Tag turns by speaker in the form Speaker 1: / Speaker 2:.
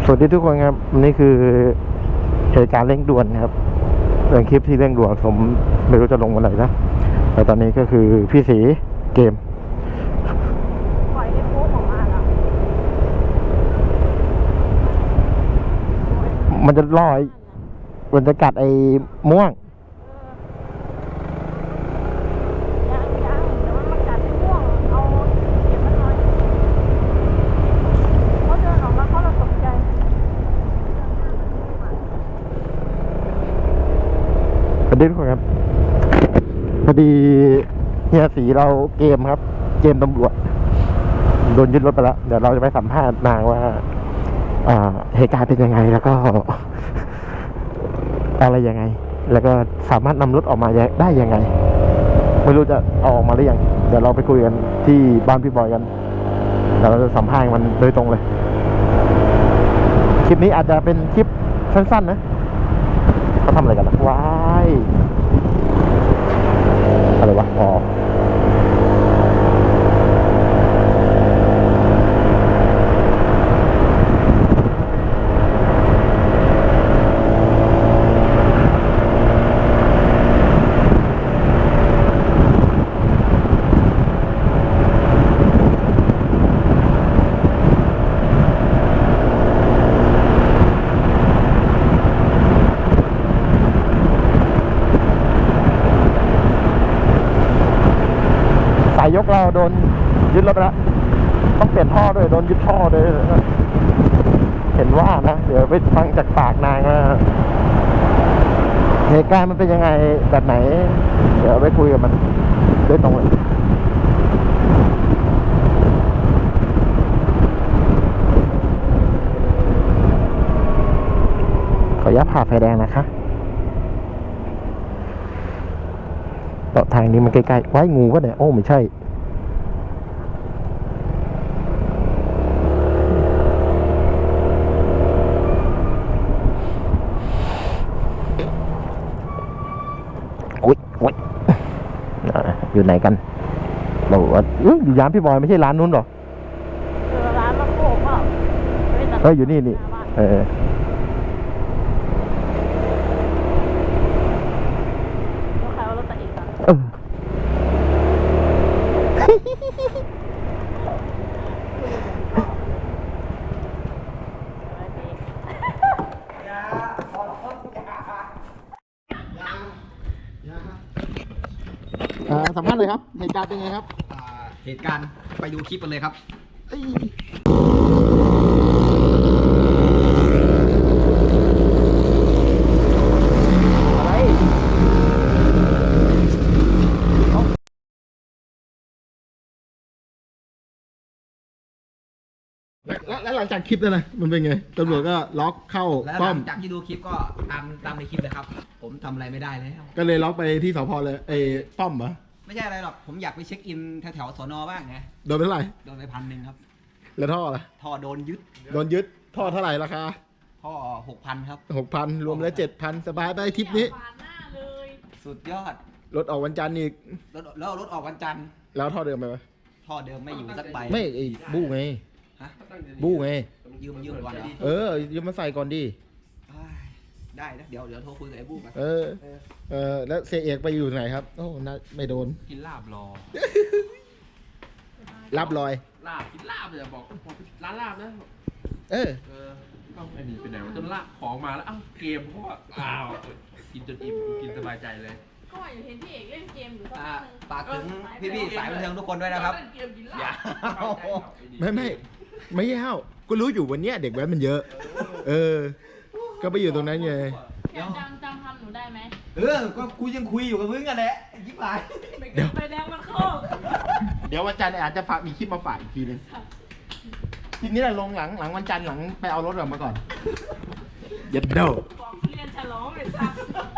Speaker 1: สวัสดีทุกคนครับนี่คือเหตุการณ์เร่งด่วนครับเป็นคลิปที่เร่งด่วนผมไม่รู้จะลงวันไหนนะแต่ตอนนี้ก็คือพี่สีเกม
Speaker 2: ปล่อยให้โค้งออกมาแล้ว
Speaker 1: มันจะล่อมันจะกัดไอ้ม่วง
Speaker 2: ยังเดี๋ยวมันมากัดที่ม่วงเอาเก็บมันหน่อยเขาเดินออกมาเขาเราตกใจ
Speaker 1: สวัสดีทุกคนครับพอดีเฮียสีเราเกมครับเกมตำรวจโดนยึดรถไปแล้วเดี๋ยวเราจะไปสัมภาษณ์นางว่าเหตุการณ์เป็นยังไงแล้วก็อะไรยังไงแล้วก็สามารถนำรถออกมาได้ยังไงไม่รู้จะเอาออกมาหรือยังเดี๋ยวเราไปคุยกันที่บ้านพี่บอยกันเดี๋ยวเราจะสัมภาษณ์มันโดยตรงเลยคลิปนี้อาจจะเป็นคลิปสั้นๆนะเขาทำอะไรกันนะว้ายอะไรวะอ๋อสายยกเราโดนยึดรถไปแล้วต้องเปลี่ยนท่อด้วยโดนยึดท่อด้วยเห็นว่านะเดี๋ยวไปฟังจากปากนางว่าเหตุการณ์มันเป็นยังไงแบบไหนเดี๋ยวไปคุยกับมันด้วยตรงเลยขออนุญาตผ่าไฟแดงนะคะต่อทางนี้มันใกล้ๆไว้งูก็เนี่ยโอ้ไม่ใช่อุ๊ยอยู่ไหนกันบอกว่าอยู่ร้านพี่บอยไม่ใช่ร้านนู้นหรอ
Speaker 2: ร้านมะโขกเปล่า
Speaker 1: อยู่นี่
Speaker 2: ใครเอารถตัดอีกอ่ะ
Speaker 1: สัมภาษณ์เลยครับเหตุการณ์เป็นไงครับ
Speaker 3: เหตุการณ์ไปดูคลิปกันเลยครับ
Speaker 1: แล้วหลังจากคลิปนั้นนะมันเป็นไงตำรวจก็ล็อกเข้า
Speaker 3: แล้ว
Speaker 1: ป้อม
Speaker 3: หลังจากที่ดูคลิปก็ตามในคลิปเลยครับ ผมทำอะไรไม่ได้แล้ว
Speaker 1: ก็เลยล็อกไปที่สพเลยป้อมเหรอ
Speaker 3: ไม่ใช่อะไรหรอกผมอยากไปเช็คอินแถวสนบ้างไง
Speaker 1: โดนไปเท่าไหร่
Speaker 3: โดนไป1,000ครับ
Speaker 1: แล้วท่อล่ะ
Speaker 3: ท่อโดนยึด
Speaker 1: ท่อเท่าไหร่ราคา
Speaker 3: ท่อ6,000ครับ
Speaker 1: 6,000รวมแล้ว7,000สบายไปทริปนี้
Speaker 3: สุดยอด
Speaker 1: รถออกวันจันทร์อีก
Speaker 3: แล้วรถออกวันจันทร์
Speaker 1: แล้วท่อเดิมไปไหม
Speaker 3: ท่อเดิมไม่อยู่สักใบ
Speaker 1: ไม่บู้ไงบู้ไง
Speaker 3: ยืมก่อน
Speaker 1: ยืมมาใส่ก่อนดิ
Speaker 3: ได้นะเดี๋ยวโทรคุยกับไอ้บู้กัน
Speaker 1: แล้วเสียเอกไปอยู่ไหนครับโอ้น่าไม่โดน
Speaker 4: กินลาบรอ
Speaker 1: รับลอย
Speaker 4: ลาบกินลาบเลยบอกร้านลาบนะ
Speaker 1: ต้อง
Speaker 4: ไอ้นี่ไปไหนวะจนลาบของมาแล้วเกมเพราะว่ากินจนอิ่มกินสบายใจเลย
Speaker 2: ก็อยู่เห็นพี่เอกเล่นเกมอยู่
Speaker 3: ฝากถึงพี่สายบันเทิงทุกคนด้วยนะครับ
Speaker 4: อย่า
Speaker 1: ไม่เฮ้าก็รู้อยู่วันเนี้ยเด็กแว้นมันเยอะก็ไปอยู่ตรงนั้นไง
Speaker 2: จำคำหนูได้ไหม
Speaker 3: ก็กูยังคุยอยู่กับมึงกันแหละยิ้มไป
Speaker 2: เดี๋ยวไปแดงมันโค้ง
Speaker 1: เดี๋ยววันจันทร์อาจจะมีคลิปมาฝากอีกทีนึงทีนี้แหละลงหลังวันจันทร์หลังไปเอารถออกมาก่อนยัดเด้อ
Speaker 2: เรียนฉลองเลยครับ